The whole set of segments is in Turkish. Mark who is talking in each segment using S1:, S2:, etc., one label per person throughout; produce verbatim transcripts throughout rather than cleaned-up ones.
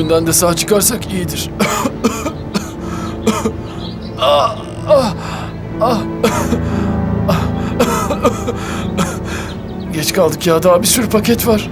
S1: Düğünden de sağ çıkarsak iyidir. Ah, ah, ah. Geç kaldık ya, daha bir sürü paket var.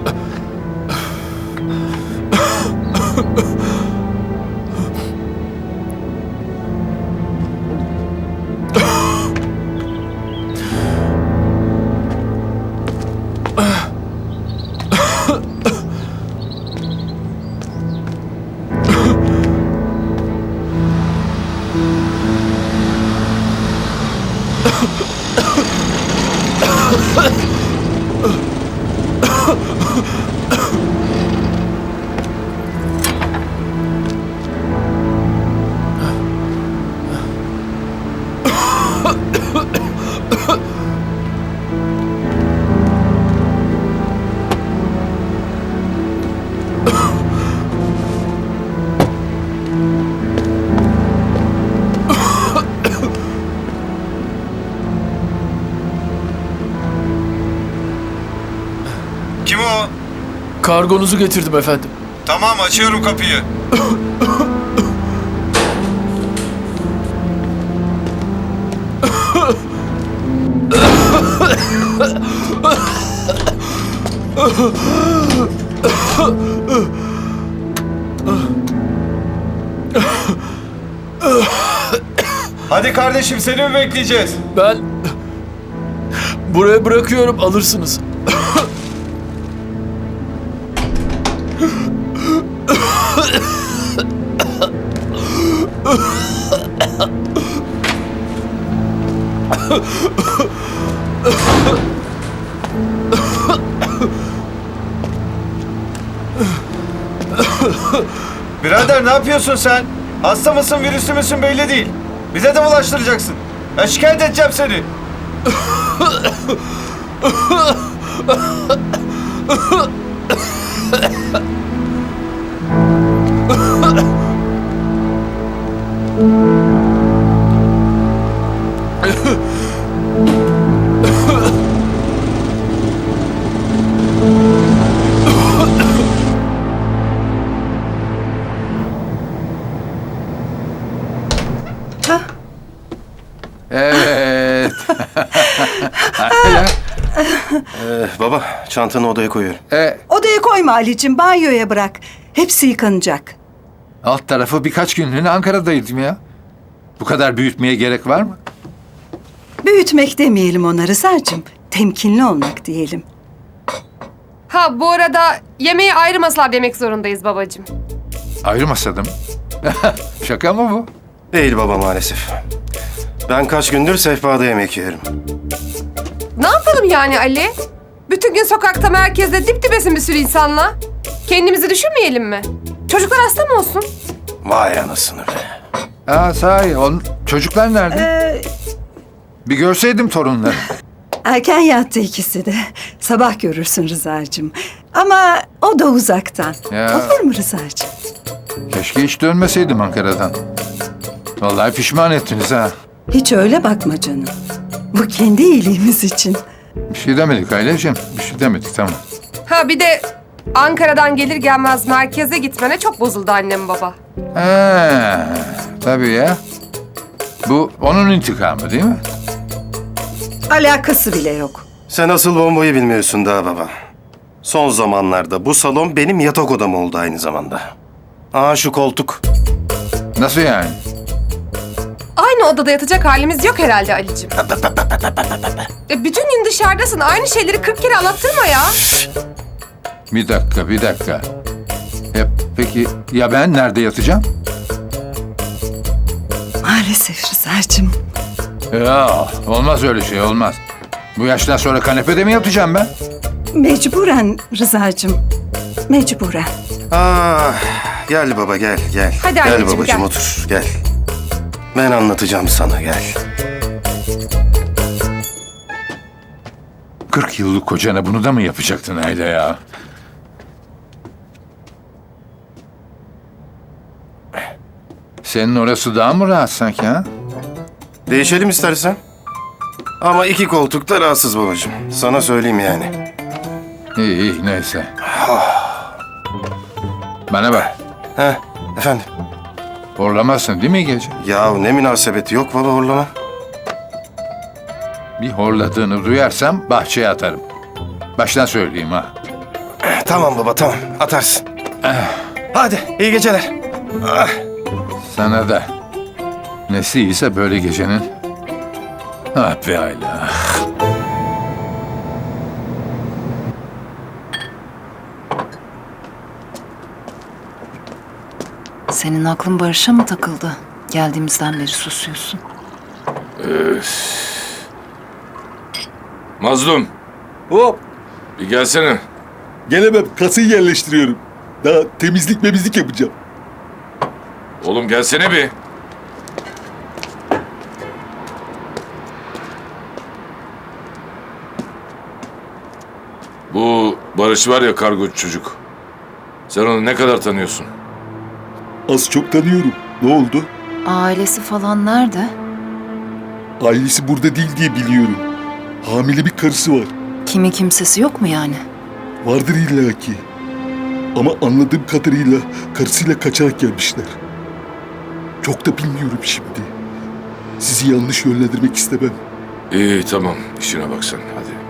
S2: Kim o?
S1: Kargonuzu getirdim efendim.
S2: Tamam, açıyorum kapıyı. Hadi kardeşim, seni mi bekleyeceğiz?
S1: Ben buraya bırakıyorum, alırsınız.
S2: Birader, ne yapıyorsun sen? Hasta mısın, virüslü müsün belli değil. Bize de bulaştıracaksın. Ben şikayet edeceğim seni.
S3: Evet.
S4: Ee, baba, çantanı odaya koyuyorum.
S3: e,
S5: Odaya koyma Ali'cim, banyoya bırak. Hepsi yıkanacak.
S3: alt tarafı birkaç günlüğüne Ankara'daydım ya. Bu kadar büyütmeye gerek var mı?
S5: Büyütmek demeyelim ona Rıza'cığım. Temkinli olmak diyelim.
S6: Ha bu arada yemeği ayrı masalarda yemek zorundayız babacığım.
S3: Ayrı masada mı? Şaka mı bu?
S4: Değil baba, maalesef. Ben kaç gündür sehpada yemek yiyorum.
S6: Ne yapalım yani Ali? Bütün gün sokakta, merkezde dip dibesin bir sürü insanla. Kendimizi düşünmeyelim mi? Çocuklar hasta mı olsun?
S4: Vay anasını be.
S3: Aa sahi, on, çocuklar nerede?
S5: Ee,
S3: Bir görseydim torunları.
S5: erken yattı ikisi de. Sabah görürsün Rıza'cığım. Ama o da uzaktan.
S3: Ya.
S5: Olur mu Rıza'cığım?
S3: Keşke hiç dönmeseydim Ankara'dan. Vallahi pişman ettiniz ha.
S5: Hiç öyle bakma canım. Bu kendi iyiliğimiz için.
S3: Bir şey demedik Aylacığım. Bir şey demedik, tamam.
S6: Ha bir de Ankara'dan gelir gelmez merkeze gitmene çok bozuldu annem baba.
S3: Ha, tabii ya. Bu onun intikamı değil mi?
S5: Alakası bile yok.
S4: Sen asıl bombayı bilmiyorsun daha baba. Son zamanlarda bu salon benim yatak odam oldu aynı zamanda. Aa, şu koltuk.
S3: Nasıl yani?
S6: Aynı odada yatacak halimiz yok herhalde Ali'cim. E, bütün gün dışarıdasın. Aynı şeyleri kırk kere anlattırma ya.
S3: Bir dakika, bir dakika. E, peki ya ben nerede yatacağım?
S5: Maalesef Rıza'cığım.
S3: Ya olmaz öyle şey, olmaz. Bu yaştan sonra kanepede mi yatacağım ben?
S5: Mecburen Rıza'cığım. Mecburen.
S4: Aa, gel baba, gel gel.
S6: Hadi
S4: gel
S6: anneciğim,
S4: babacığım,
S6: gel.
S4: otur, gel. Ben anlatacağım sana, gel.
S3: kırk yıllık kocana bunu da mı yapacaktın Ayla ya? Senin orası daha mı rahat sanki ha?
S4: Değişelim istersen. Ama iki koltuk da rahatsız babacığım. Sana söyleyeyim yani.
S3: İyi iyi neyse. Bana bak.
S4: Heh, efendim.
S3: Horlamazsın değil mi gece?
S4: Ya ne münasebeti yok baba horlama.
S3: Bir horladığını duyarsam bahçeye atarım. Baştan söyleyeyim ha.
S4: Tamam baba tamam atarsın. Hadi iyi geceler. Ah.
S3: Sana da. Nesi iyiyse böyle gecenin. Ah be Ayla.
S7: Senin aklın Barış'a mı takıldı? Geldiğimizden beri susuyorsun.
S8: Mazlum,
S9: Hop!
S8: bir gelsene.
S9: Gelemem. Kasayı yerleştiriyorum. Daha temizlik memizlik yapacağım.
S8: Oğlum gelsene bir. Bu Barış var ya, kargocu çocuk. Sen onu ne kadar tanıyorsun?
S9: Az çok tanıyorum. Ne oldu?
S7: Ailesi falan nerede?
S9: Ailesi burada değil diye biliyorum. Hamile bir karısı var.
S7: Kimi kimsesi yok mu yani?
S9: Vardır illaki. Ama anladığım kadarıyla karısıyla kaçarak gelmişler. Çok da bilmiyorum şimdi. Sizi yanlış yönlendirmek istemem.
S8: İyi tamam, işine bak sen hadi.